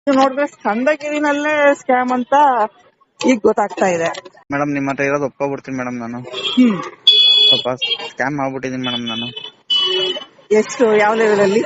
ನೋಡಿದ್ರೆ ಸ್ಕಂದಗಿರಿನಲ್ಲೇ ಸ್ಕ್ಯಾಮ್ ಅಂತ ಈಗ ಗೊತ್ತಾಗ್ತಾ ಇದೆ. ಮೇಡಮ್ ನಿಮ್ಮ ಹತ್ರ ಇರೋದು ಒಪ್ಕೊಬಿಡ್ತೀನಿ ಮೇಡಮ್. ನಾನು ಹ್ಮ್ ಸ್ವಲ್ಪ ಸ್ಕ್ಯಾಮ್ ಆಗ್ಬಿಟ್ಟಿದ್ದೀನಿ ಮೇಡಮ್. ನಾನು ಎಷ್ಟು ಯಾವ ಲೆವೆಲ್ ಅಲ್ಲಿ?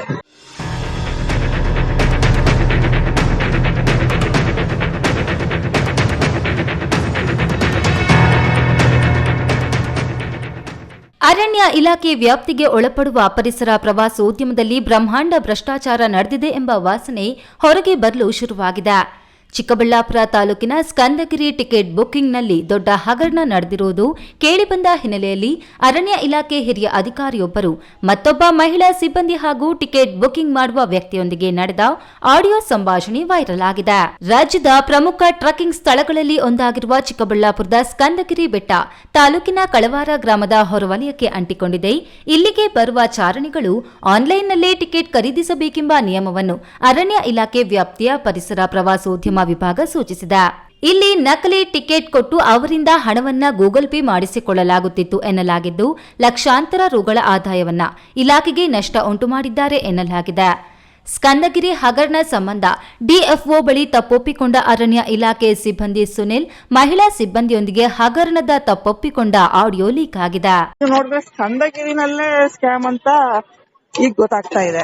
ಅರಣ್ಯ ಇಲಾಖೆ ವ್ಯಾಪ್ತಿಗೆ ಒಳಪಡುವ ಪರಿಸರ ಪ್ರವಾಸೋದ್ಯಮದಲ್ಲಿ ಬ್ರಹ್ಮಾಂಡ ಭ್ರಷ್ಟಾಚಾರ ನಡೆದಿದೆ ಎಂಬ ವಾಸನೆ ಹೊರಗೆ ಬರಲು ಶುರುವಾಗಿದೆ. ಚಿಕ್ಕಬಳ್ಳಾಪುರ ತಾಲೂಕಿನ ಸ್ಕಂದಗಿರಿ ಟಿಕೆಟ್ ಬುಕ್ಕಿಂಗ್ನಲ್ಲಿ ದೊಡ್ಡ ಹಗರಣ ನಡೆದಿರುವುದು ಕೇಳಿಬಂದ ಹಿನ್ನೆಲೆಯಲ್ಲಿ ಅರಣ್ಯ ಇಲಾಖೆ ಹಿರಿಯ ಅಧಿಕಾರಿಯೊಬ್ಬರು ಮತ್ತೊಬ್ಬ ಮಹಿಳಾ ಸಿಬ್ಬಂದಿ ಹಾಗೂ ಟಿಕೆಟ್ ಬುಕ್ಕಿಂಗ್ ಮಾಡುವ ವ್ಯಕ್ತಿಯೊಂದಿಗೆ ನಡೆದ ಆಡಿಯೋ ಸಂಭಾಷಣೆ ವೈರಲ್ ಆಗಿದೆ. ರಾಜ್ಯದ ಪ್ರಮುಖ ಟ್ರಕ್ಕಿಂಗ್ ಸ್ಥಳಗಳಲ್ಲಿ ಒಂದಾಗಿರುವ ಚಿಕ್ಕಬಳ್ಳಾಪುರದ ಸ್ಕಂದಗಿರಿ ಬೆಟ್ಟ ತಾಲೂಕಿನ ಕಳವಾರ ಗ್ರಾಮದ ಹೊರವಲಯಕ್ಕೆ ಅಂಟಿಕೊಂಡಿದೆ. ಇಲ್ಲಿಗೆ ಬರುವ ಚಾರಣಿಗಳು ಆನ್ಲೈನ್ನಲ್ಲೇ ಟಿಕೆಟ್ ಖರೀದಿಸಬೇಕೆಂಬ ನಿಯಮವನ್ನು ಅರಣ್ಯ ಇಲಾಖೆ ವ್ಯಾಪ್ತಿಯ ಪರಿಸರ ಪ್ರವಾಸೋದ್ಯಮ ವಿಭಾಗ ಸೂಚಿಸಿದೆ. ಇಲ್ಲಿ ನಕಲಿ ಟಿಕೆಟ್ ಕೊಟ್ಟು ಅವರಿಂದ ಹಣವನ್ನ ಗೂಗಲ್ ಪೇ ಮಾಡಿಸಿಕೊಳ್ಳಲಾಗುತ್ತಿತ್ತು ಎನ್ನಲಾಗಿದ್ದು, ಲಕ್ಷಾಂತರ ರುಗಳ ಆದಾಯವನ್ನ ಇಲಾಖೆಗೆ ನಷ್ಟ ಉಂಟು ಮಾಡಿದ್ದಾರೆ ಎನ್ನಲಾಗಿದೆ. ಸ್ಕಂದಗಿರಿ ಹಗರಣ ಸಂಬಂಧ ಡಿಎಫ್ಒ ಬಳಿ ತಪ್ಪೊಪ್ಪಿಕೊಂಡ ಅರಣ್ಯ ಇಲಾಖೆ ಸಿಬ್ಬಂದಿ ಸುನಿಲ್ ಮಹಿಳಾ ಸಿಬ್ಬಂದಿಯೊಂದಿಗೆ ಹಗರಣದ ತಪ್ಪೊಪ್ಪಿಕೊಂಡ ಆಡಿಯೋ ಲೀಕ್ ಆಗಿದೆ. ನೋಡಿದ್ರೆ ಸ್ಕಂದಗಿರಿನಲ್ಲೇ ಸ್ಕ್ಯಾಮ್ ಅಂತ ಈಗ ಗೊತ್ತಾಗ್ತಾ ಇದೆ.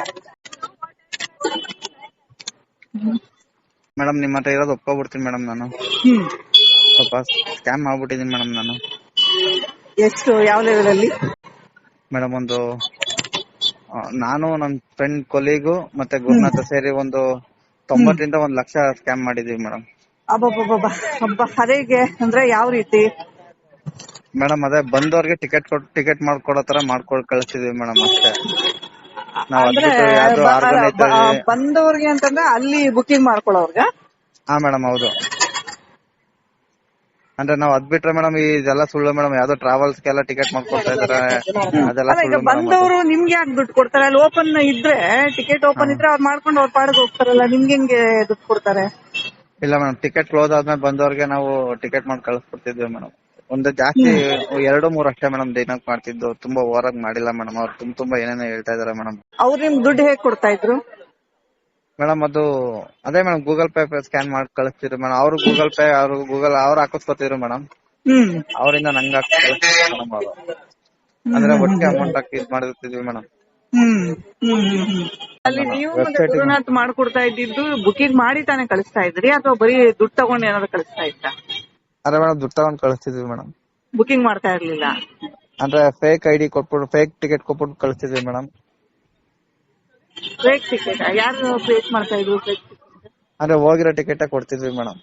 ಮೇಡಮ್ ನಿಮ್ಮ ಹತ್ರ ಇರೋದು ಒಪ್ಕೊಬಿಡ್ತೀನಿ ಮೇಡಮ್. ನಾನು ಸ್ವಲ್ಪ ಸ್ಕ್ಯಾಮ್ ಆಗ್ಬಿಟ್ಟಿದ್ದೀನಿ ಮೇಡಮ್. ನಾನು ಎಷ್ಟು ಯಾವ ಲೆವೆಲ್ ಅಲ್ಲಿ? ಮೇಡಮ್ ನಾನು ನನ್ನ ಫ್ರೆಂಡ್ ಕೊಲೀಗು ಮತ್ತೆ ಗುರುನಾಥ ಸೇರಿ ಒಂದು 90 ರಿಂದ 1 ಲಕ್ಷ ಸ್ಕ್ಯಾಮ್ ಮಾಡಿದೀವಿ ಮೇಡಮ್. ಅದೇಗೆ ಅಂದ್ರೆ ಯಾವ ರೀತಿ? ಮೇಡಮ್ ಅದೇ ಬಂದವ್ರಿಗೆ ಟಿಕೆಟ್ ಮಾಡ್ಕೊಡೋ ತರ ಮಾಡ್ಕೊಂಡು ಕಳಿಸ್ತಿದೀವಿ ಮೇಡಮ್ ಅಷ್ಟೇ. ಅಂದ್ರೆ ಬಂದವ್ರಿಗೆ ಅಂತಂದ್ರೆ ಅಲ್ಲಿ ಬುಕಿಂಗ್ ಮಾಡ್ಕೊಳ್ಳೋರ್ಗ? ಹಾ ಮೇಡಮ್ ಹೌದು. ಅಂದ್ರೆ ನಾವು ಅದ್ಬಿಟ್ರೆ ಮೇಡಮ್ ಇದೆಲ್ಲ ಸುಳ್ಳು ಮೇಡಮ್. ಯಾವ್ದೋ ಟ್ರಾವೆಲ್ಸ್ ಗೆಲ್ಲ ಟಿಕೆಟ್ ಮಾಡ್ಕೊಡ್ತಾ ಇದಾರೆ, ಅದೆಲ್ಲ ಸುಳ್ಳು. ಬಂದವರು ನಿಮ್ಗೆ ಯಾಕೆ ದುಡ್ಡು ಕೊಡ್ತಾರೆ? ಅಲ್ಲಿ ಓಪನ್ ಇದ್ರೆ ಟಿಕೆಟ್ ಓಪನ್ ಇದ್ರೆ ಅವ್ರು ಮಾಡ್ಕೊಂಡು ಅವ್ರ ಪಾಡಿಗೆ ಹೋಗ್ತಾರಲ್ಲ, ನಿಮ್ಗೆ ಹೆಂಗೆ ದುಡ್ಡು ಕೊಡ್ತಾರೆ? ಇಲ್ಲ ಮೇಡಮ್, ಟಿಕೆಟ್ ಕ್ಲೋಸ್ ಆದ್ಮೇಲೆ ಬಂದವ್ರಿಗೆ ನಾವು ಟಿಕೆಟ್ ಮಾಡಿ ಕಳಿಸ್ಕೊಡ್ತಿದ್ವಿ ಮೇಡಮ್. ಒಂದು ಜಾಸ್ತಿ 2-3 ಅಷ್ಟೇ ಮೇಡಮ್ ದಿನಕ್ಕೆ ಮಾಡ್ತಿದ್ದು. ತುಂಬಾ ಓವರ್ ಆಗಿ ಮಾಡಿಲ್ಲ ಮೇಡಮ್. ಅವ್ರು ತುಂಬಾ ಏನೇನೋ ಹೇಳ್ತಾ ಇದಾರೆ ಮೇಡಮ್. ಅವ್ರು ನಿಮ್ ದುಡ್ಡು ಹೇಗ್ ಕೊಡ್ತಾ ಇದ್ರು ಮೇಡಮ್? ಅದೇ ಮೇಡಮ್ ಗೂಗಲ್ ಪೇ ಸ್ಕ್ಯಾನ್ ಮಾಡಿ ಕಳಿಸ್ತಿದ್ರು ಮೇಡಮ್. ಅವ್ರು ಗೂಗಲ್ ಪೇ ಅವ್ರು ಹಾಕಿಸ್ಕೊತಿದ್ರು ಮೇಡಮ್. ಅವರಿಂದ ನಂಗೆ ಹಾಕಿಸ್ಕೊಳ್ತಿದ್ರು ಮೇಡಮ್. ಅವರು ಅಂದ್ರೆ ಒಟ್ಟಿಗೆ ಅಮೌಂಟ್ ಹಾಕಿ ಇದ್ ಮಾಡಿರ್ತಿದ್ವಿ ಮೇಡಮ್. ಅಲ್ಲಿ ನೀವು ಗುರುನಾಥ್ ಮಾಡ್ಕೊಡ್ತಾ ಇದ್ದಿದ್ದು ಬುಕಿಂಗ್ ಮಾಡಿ ತಾನೇ ಕಳಿಸ್ತಾ ಇದ್ರಿ ಅಥವಾ ಬರೀ ದುಡ್ಡು ತಗೊಂಡು ಏನಾದ್ರು ಕಳಿಸ್ತಾ ಇತ್ತ? ಅದೇ ಮೇಡಮ್ ದುಡ್ಡು ತಗೊಂಡ್ ಕಳಿಸ್ತಿದ್ವಿ ಮೇಡಮ್. ಬುಕಿಂಗ್ ಮಾಡ್ತಾ ಇರ್ಲಿಲ್ಲ ಅಂದ್ರೆ ಫೇಕ್ ಐಡಿ ಕೊಟ್ಬಿಟ್ಟು ಫೇಕ್ ಟಿಕೆಟ್ ಕೊಟ್ಬಿಟ್ಟು ಕಳಿಸ್ತಿದ್ವಿ ಮೇಡಮ್. ಫೇಕ್ ಟಿಕೆಟ್ ಯಾರು ಫೇಕ್ ಮಾಡ್ತಾ ಇದ್ರು? ಫೇಕ್ ಅಂದ್ರೆ ಹೋಗಿರೋ ಟಿಕೆಟ್ ಕೊಡ್ತಿದ್ವಿ ಮೇಡಮ್.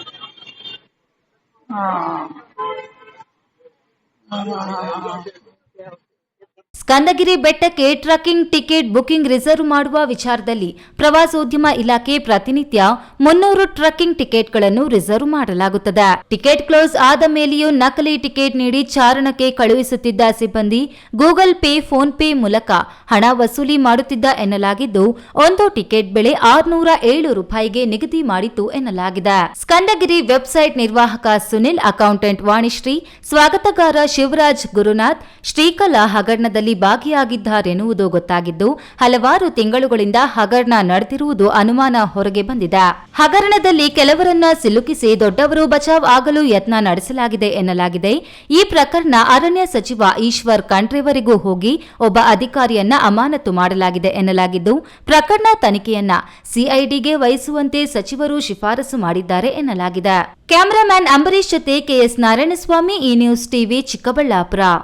ಸ್ಕಂದಗಿರಿ ಬೆಟ್ಟಕ್ಕೆ ಟ್ರಕ್ಕಿಂಗ್ ಟಿಕೆಟ್ ಬುಕಿಂಗ್ ರಿಸರ್ವ್ ಮಾಡುವ ವಿಚಾರದಲ್ಲಿ ಪ್ರವಾಸೋದ್ಯಮ ಇಲಾಖೆ ಪ್ರತಿನಿತ್ಯ 300 ಟ್ರಕ್ಕಿಂಗ್ ಟಿಕೆಟ್ಗಳನ್ನು ರಿಸರ್ವ್ ಮಾಡಲಾಗುತ್ತದೆ. ಟಿಕೆಟ್ ಕ್ಲೋಸ್ ಆದ ಮೇಲೆಯೂ ನಕಲಿ ಟಿಕೆಟ್ ನೀಡಿ ಚಾರಣಕ್ಕೆ ಕಳುಹಿಸುತ್ತಿದ್ದ ಸಿಬ್ಬಂದಿ ಗೂಗಲ್ ಪೇ, ಫೋನ್ ಪೇ ಮೂಲಕ ಹಣ ವಸೂಲಿ ಮಾಡುತ್ತಿದ್ದ ಎನ್ನಲಾಗಿದ್ದು, ಒಂದು ಟಿಕೆಟ್ ಬೆಲೆ 607 ರೂಪಾಯಿಗೆ ನಿಗದಿ ಮಾಡಿತ್ತು ಎನ್ನಲಾಗಿದೆ. ಸ್ಕಂದಗಿರಿ ವೆಬ್ಸೈಟ್ ನಿರ್ವಾಹಕ ಸುನಿಲ್, ಅಕೌಂಟೆಂಟ್ ವಾಣಿಶ್ರೀ, ಸ್ವಾಗತಗಾರ ಶಿವರಾಜ್ ಗುರುನಾಥ್ ಶ್ರೀಕಲಾ ಹಗರಣದಲ್ಲಿ ಭಾಗಿಯಾಗಿದ್ದಾರೆನ್ನುವುದು ಗೊತ್ತಾಗಿದ್ದು, ಹಲವಾರು ತಿಂಗಳುಗಳಿಂದ ಹಗರಣ ನಡೆದಿರುವುದು ಅನುಮಾನ ಹೊರಗೆ ಬಂದಿದೆ. ಹಗರಣದಲ್ಲಿ ಕೆಲವರನ್ನ ಸಿಲುಕಿಸಿ ದೊಡ್ಡವರು ಬಚಾವ್ ಆಗಲು ಯತ್ನ ನಡೆಸಲಾಗಿದೆ ಎನ್ನಲಾಗಿದೆ. ಈ ಪ್ರಕರಣ ಅರಣ್ಯ ಸಚಿವ ಈಶ್ವರ್ ಖಂಡ್ರೆವರೆಗೂ ಹೋಗಿ ಒಬ್ಬ ಅಧಿಕಾರಿಯನ್ನ ಅಮಾನತು ಮಾಡಲಾಗಿದೆ ಎನ್ನಲಾಗಿದ್ದು, ಪ್ರಕರಣ ತನಿಖೆಯನ್ನ ಸಿಐಡಿಗೆ ವಹಿಸುವಂತೆ ಸಚಿವರು ಶಿಫಾರಸು ಮಾಡಿದ್ದಾರೆ ಎನ್ನಲಾಗಿದೆ. ಕ್ಯಾಮರಾಮ್ಯಾನ್ ಅಂಬರೀಶ್ ಜೊತೆ ಕೆಎಸ್ ನಾರಾಯಣಸ್ವಾಮಿ, ಈ ನ್ಯೂಸ್ ಟಿವಿ, ಚಿಕ್ಕಬಳ್ಳಾಪುರ.